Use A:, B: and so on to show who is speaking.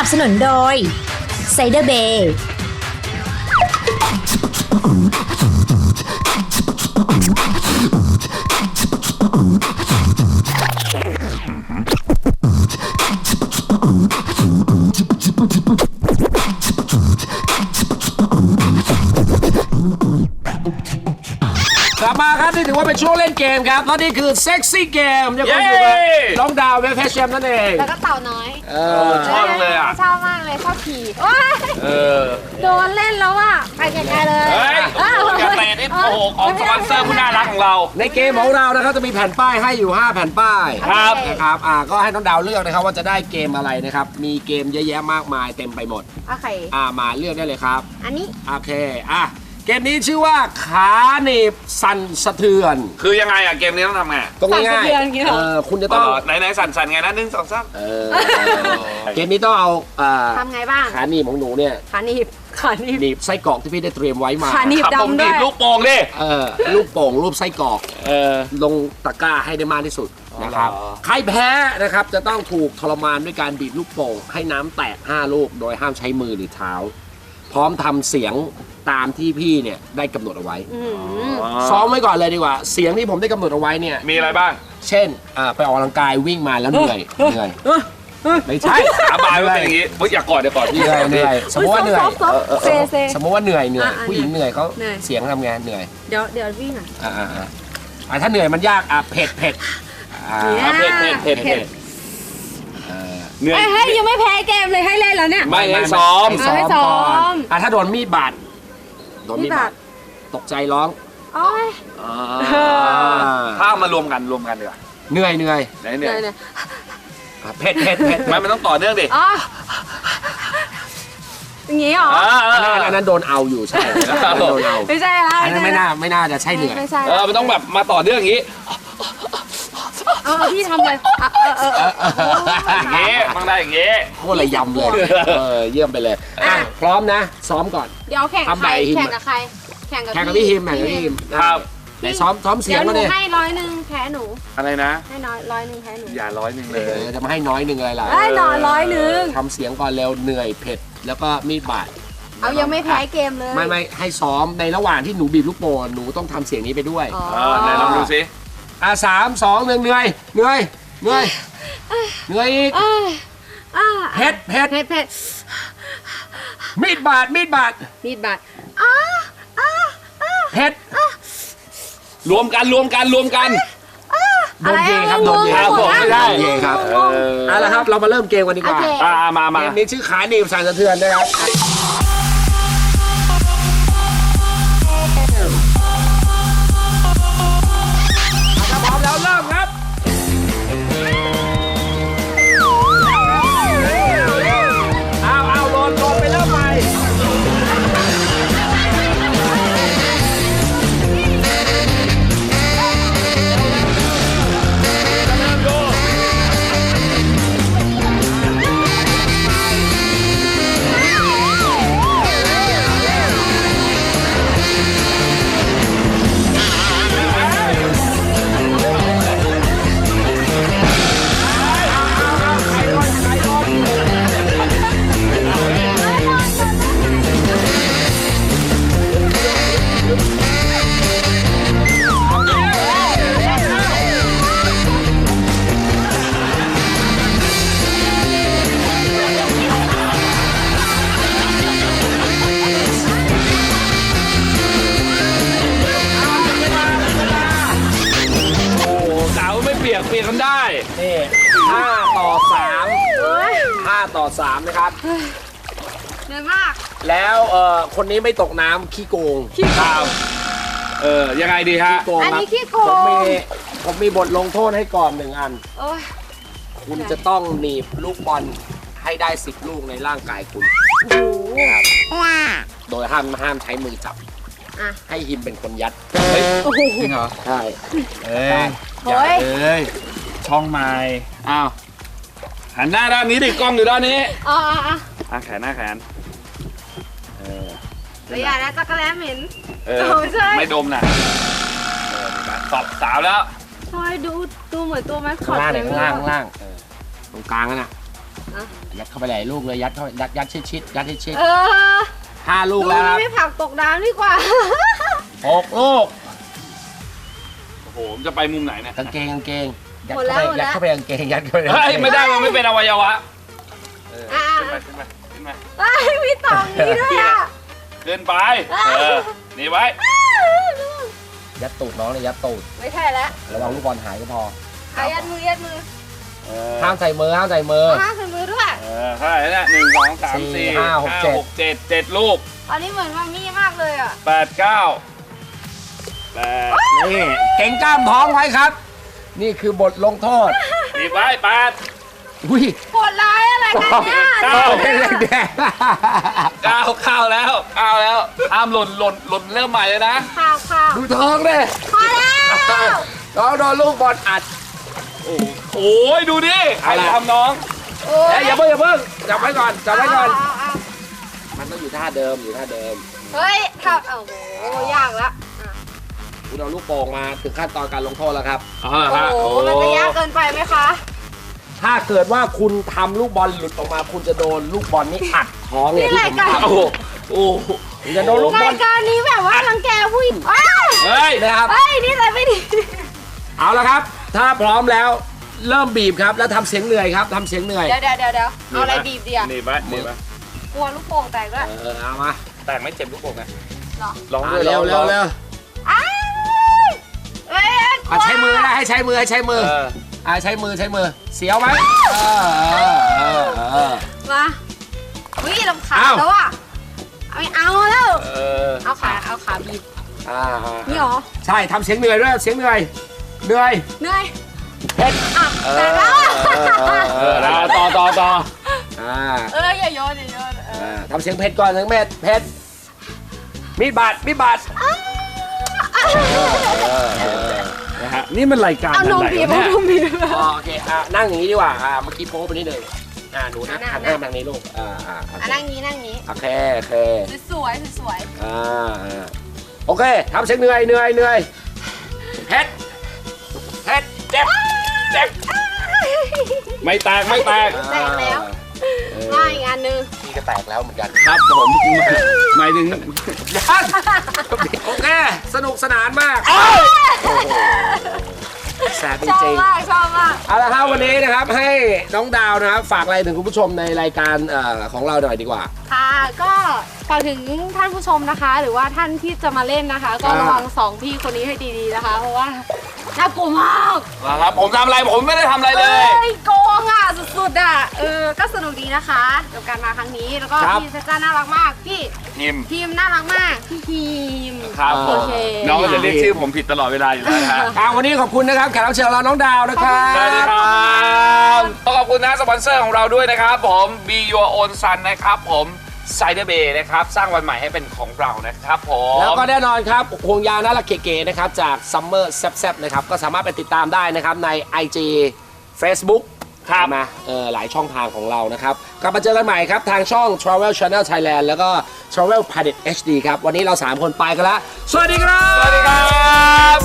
A: บสนุนโดยไซเดอร์เบย์
B: กลับมาครับนี่ถือว่าเป็นช่วงเล่นเกมครับแล้วนี่คือเซ็กซี่เกมยังคงอยู่กับน้องดาวและแพชแชมนั่นเอง
C: แล้วก็เต่าน้อย
B: ชอบเลยอ่ะ
C: ชอบมากเลยชอบขี่โอ๊ยโดนเล่นแล้วอ่ะไปไกลๆเลย
D: เฮ้ยอย่าเตะนี่โอ้โหของสปอนเซอร์ผู้น่ารักของเรา
B: ในเกมของเรานะครับจะมีแผ่นป้ายให้อยู่5แผ่นป้าย
D: ครับ
B: นะครับก็ให้น้องดาวเลือกนะครับว่าจะได้เกมอะไรนะครับมีเกมเยอะแยะมากมายเต็มไปหมด
C: โอเค
B: มาเลือกได้เลยครับ
C: อันนี้
B: โอเคเกมนี้ชื่อว่าขาหนีบสั่นสะเทือน
D: คือยังไงอะเกมนี้ต้องทำไง
B: ตรงง่ายๆคุณจะต้อง
D: ไหนสั่นไงนะ1 2 3
B: เกมนี้ต้องเอา
C: ทำไงบ้าง
B: ขาหนีบของหนูเนี่ย
C: ขาหนีบ
B: หนีบไส้กรอกที่พี่ได้เตรียมไว้มา
C: ขาหนีบ
D: ขับผม
C: ดำด้
D: ดี
C: วย
D: บลูกโป่งดิ
B: ลูกโป่งรูปไส้กรอกลงตะกร้าให้ได้มากที่สุดนะครับใครแพ้นะครับจะต้องถูกทรมานด้วยการบีบลูกโป่งให้น้ำแตก5ลูกโดยห้ามใช้มือหรือเท้า พร้อมทำเสียงตามที่พี่เนี่ยได้กำหนดเอาไว้ซ้อมไว้ก่อนเลยดีกว่าเสียงที่ผมได้กำหนดเอาไว้เนี่ย
D: มีอะไรบ้าง
B: เช่นไปออกกำลังกายวิ่งมาแล้วเหนื่อยไม่ใช่
D: อาบายมันเป็นอย่างนี้อย่ากอดเดี๋ยวก่อนพี่
B: เหนื่อยสมมติว่าเหนื่อย
C: เซ
B: สมมติว่าเหนื่อย
C: อ่ะ
B: ผู้หญิงเหนื่อยเขา
C: เหนื่อย
B: เสียงทำงานเหนื่อย
C: เดี๋ยววิ่งอ่ะ
B: ถ้าเหนื่อยมันยากเผ็ด
D: เผ็ดเหนื่อย
C: เฮ้ยยังไม่แพ้เกมเลยให้เล่นแล้วเนี่ย
D: ไม่ให้ซ้อม
C: ให้ซ้อม
B: ถ้าโดนมีดบาดตกใจร้อง
C: โอ๊ย
D: ถ้าเอามารวมกันดีกว่า
B: เหนื่อย
D: ไหนเหนื่อย
B: เผ็ด
D: มันต้องต่อเนื่องดิ
C: อ๋ออย่างงี้เหรอ
B: อันนั้นโดนเอาอยู่ใช่โดนเอา
C: ไม่ใช่แล้ว
B: อันนั้นไม่น่าจะใช่เหนื่อย
C: ไม่ใช่
D: มันต้องแบบมาต่อเนื่องอย่างนี้
C: พี่ทำเลย
D: อย่างนี้ต้องได้อย่างนี้
B: โคตรระยำเลยเยี่ยมไปเลยพร้อมนะซ้อมก่อน
C: เดี๋ยวแข่งกับใครแข่งกับใครแข่งกับ
B: พี่ฮิม
D: ครับ
B: ไหนซ้อมเสียง
C: เดี๋ยวห
B: มา
C: นู
B: เนี่ย
C: ให้100แพ้หนู
D: อะไรนะ
C: ให้100แพ้หนู
D: อย่า100เลย
B: จะมาให้น้อยหนึ่งอะไรล่ะ
C: ให้100
B: ทำเสียงก่อนเร็วเหนื่อยเผ็ดแล้วก็มีดบาด
C: เอายังไม่แพ้เกมเลย
B: ไม่ให้ซ้อมในระหว่างที่หนูบีบลูกโป่งหนูต้องทำเสียงนี้ไปด้วย
D: ไหนลองดูสิ
B: 3 2 1เหนื่อยอีกเผ็ดมีดบาด
C: มีดบาด
B: เผ็ด
D: รวมกัน
B: โดนเยครับโดนเยครับผมไม่ได้เยครับเอาละครับเรามาเริ่มเกมกันดีกว่า
D: มา
B: เกมนี้ชื่อขาหนีบสั่นสะเทือนนะครับถ้าพร้อมแล้วเริ่มครับเอาโหลดไปเริ่มใหม่
D: เปลี่ยนกันได้
B: นี่5 ต่อ 3นะครับ
C: เหนื่อยมาก
B: แล้วคนนี้ไม่ตกน้ำขี้โกง
D: ครับยังไงดีฮะ
B: โกง
C: อัน
B: ครับ
C: นี้ขี้โกง
B: ผมมีบทลงโทษให้ก่อน1 อัน
C: โอ๊ย
B: คุณจะต้องหนีบลูกบอลให้ได้10 ลูกในร่างกายคุณ
C: โอ้โห
B: โดยห้ามใช้มือจับ ให้ฮิมเป็นคนยัด
C: โอ้โห
D: จริงเหรอ
B: ใช่
C: โอ้ย
D: ช่องไม้อ้าวหันหน้าด้านนี้ดิกล้องอยู่ด้านนี้แขน
C: ระยะแล้วจักรแล้เหม็น ใช่
D: ไม่ดมนะตอบสาวแล้ว
C: ทอยดูเหมือนตัวมันขอ
B: ข้าง
C: ด
B: ล่าง
C: เลย
B: ข้างล่างตรงกลางนั่นน่ะยัดเข้าไปหลายลูกเลยยัดเข้ายัดชิดยัดชิด 5 ลู
C: ลู
B: ก
C: ก
B: แล้วค
C: นี้
B: รับ
C: ไม่ผลักตกน้ำดีกว่า
B: 6 ลูก
D: โอ้โหจะไปมุมไหนเนี่ย
B: กางเกงยัด
C: หมดแล้ว
B: เข้าไปกางเกงยัดเข้าไป
D: เฮ้ยไม่ได้มันไม่เป็นอวัยวะ
C: อ่ะ
D: ขึ้นมา
C: มีต่อนี้ด้วยอ่ะ
D: เดินไปหนีไว้
B: ยัดตูดน้องเลยยัดตูด
C: ไม่ใช่แล้ว
B: ระวังลูกบอลหายก็พอ
C: ยัดมือ
B: ห้ามใส่มือห้ามใส่มือ
C: ห้าใส่มือด้วย
D: เท่าไหร่เนี่ย1 2 3 4
B: 4
D: 5
B: 5 6
D: 6 7 7 ลูก
C: ตอนนี้เหมือนมามี่มากเลยอ่ะ
D: 8 9 8
B: นี่เก่งกล้ามท้องไว้ครับ นี่คือบทลงโทษ
D: หนีไว้8
B: อุ้ย
C: โหดร้ายอะไรกันเนี่ย
D: เก้า
B: เป็นแดง
D: เข้าแล้วห้ามหล่นเริ่มใหม่เลยนะ
C: ข่าว
B: ดูท้องเลย
C: พอแล้ว
B: น้องโดนลูกบอลอัด
D: โอ้ยดูดิใครทำน้อง
C: โอ้
B: อย่าเพิ่งจับไว้ก่อนจับไว้ก่อน
C: เอา
B: มันต้องอยู่ท่าเดิม
C: เฮ้ยทำโอ้โหยากละ
B: คุณเอาลูกโป่งมาถึงขั้นตอนการลงโทษแล้วครับ
C: โอ้โหมันจะยากเกินไปไหมคะ
B: ถ้าเกิดว่าคุณทำลูกบอลหลุดออกมา คุณจะโดนลูกบอลนี้อัดท้องเนี่ย
C: นี่รายการ
B: โอ้โหคุณจะโดนลูกบอ
C: รา
B: ล
C: ยการนี้แบบว่ารังแกผู้หญิงอ้าว
D: เฮ้ย
B: นะครับ
C: เฮ้ยนี่อะไรไม่ดี
B: เอาละครับ ถ้าพร้อมแล้วเริ่มบีบครับแล้วทำเสียงเหนื่อยครับทำเสียงเหนื่อย
C: เดี๋ยวเอาอะไรบีบดีอ่ะ
D: หนีไป
C: กลัวลูกโป่งแตกด้วย
B: เอามา
D: แต่ไม่เจ็บลูกโป่งนะ
C: หรอ
D: ลองด้วย
B: เร็ว
C: อ้าวเฮ้ยกลัว
B: ใช้มือนะให้ใช้มือใช้มือใช้มือเสียวไหม
C: มาวิ่งลำขาแล้วอ่ะไม่เอาแล้ว เอาขาบีบนี่หรอ
B: ใช่ทำเสียงเหนื่อยด้วยเสียงเหนื่อย
C: เหนื่อย
B: เผ็ด
C: แต่แล้ว
D: ต่อ
C: อย่าโยน
B: ทำเสียงเผ็ดก่อนเสียงเผ็ดมีดบาด
D: นะฮะนี่มันรายการ
C: เอา
D: อะไร
C: นมบีบ
D: เนี่ย
B: โอเคนั่งอย่างนี้ดีกว่าเมื่อกี้โป๊ไปนิดนึงหนูนะหันหน้าทางนี้ลูก
C: นั่งนี้
B: โอเค
C: สวย
B: โอเคทำเสียงเหนื่อยเผ็ดเจ็บ
D: ไม่แตก
C: แตกแล้วมาอีกอันนึง
B: พี่ก็แตกแล้วเหมือนกัน
D: ครับผมหมายถึง
B: โอเคสนุกสนานมากแสบจ
C: ชอบ
B: ริง
C: มาก
B: ๆเอาละครับวันนี้นะครับให้น้องดาวนะครับฝากอะไรถึงคุณผู้ชมในรายการของเราหน่อยดีกว่า
C: ค่ะก็ฝากถึงท่านผู้ชมนะคะ หรือว่าท่านที่จะมาเล่นนะคะ ก็ระวัง2พี่คนนี้ให้ดีๆนะคะ เพราะว่าน่ากลัวมาก
D: ครับผมทำอะไรผมไม่ได้ทำอะไรเลย
C: โกงอ่ะสุดๆอ่ะก็สนุกดีนะคะกับการมาครั้งนี้แล้วก็พี่เซจ้าน่ารักมากพี่ทีมน่ารักมากพี่ทีม
D: ครับผ
C: โอ
D: ม
C: เค
D: น้องก็จะเรียกชื่อผมผิดตลอดเวลาอยู่แล้วนะฮะ
B: วันนี้ขอบคุณนะครับแขกรับเชิญเราน้องดาวนะครับ
D: สวัสดีครับขอบคุณนะสปอนเซอร์ของเราด้วยนะครับผม Be Your Own Sun นะครับผมCider Bay นะครับสร้างวันใหม่ให้เป็นของเรานะครับผม
B: แล้วก็แน่นอนครับห่วงยางน่ารักเก๋ๆนะครับจาก Summer แซ่บๆนะครับก็สามารถไปติดตามได้นะครับใน IG Facebook
D: ครับ
B: มาหลายช่องทางของเรานะครับกลับมาเจอกันใหม่ครับทางช่อง Travel Channel Thailand แล้วก็ Travel Planet HD ครับวันนี้เรา3คนไปกันแล้วสวัสดีครับ
D: สวัสดีครับ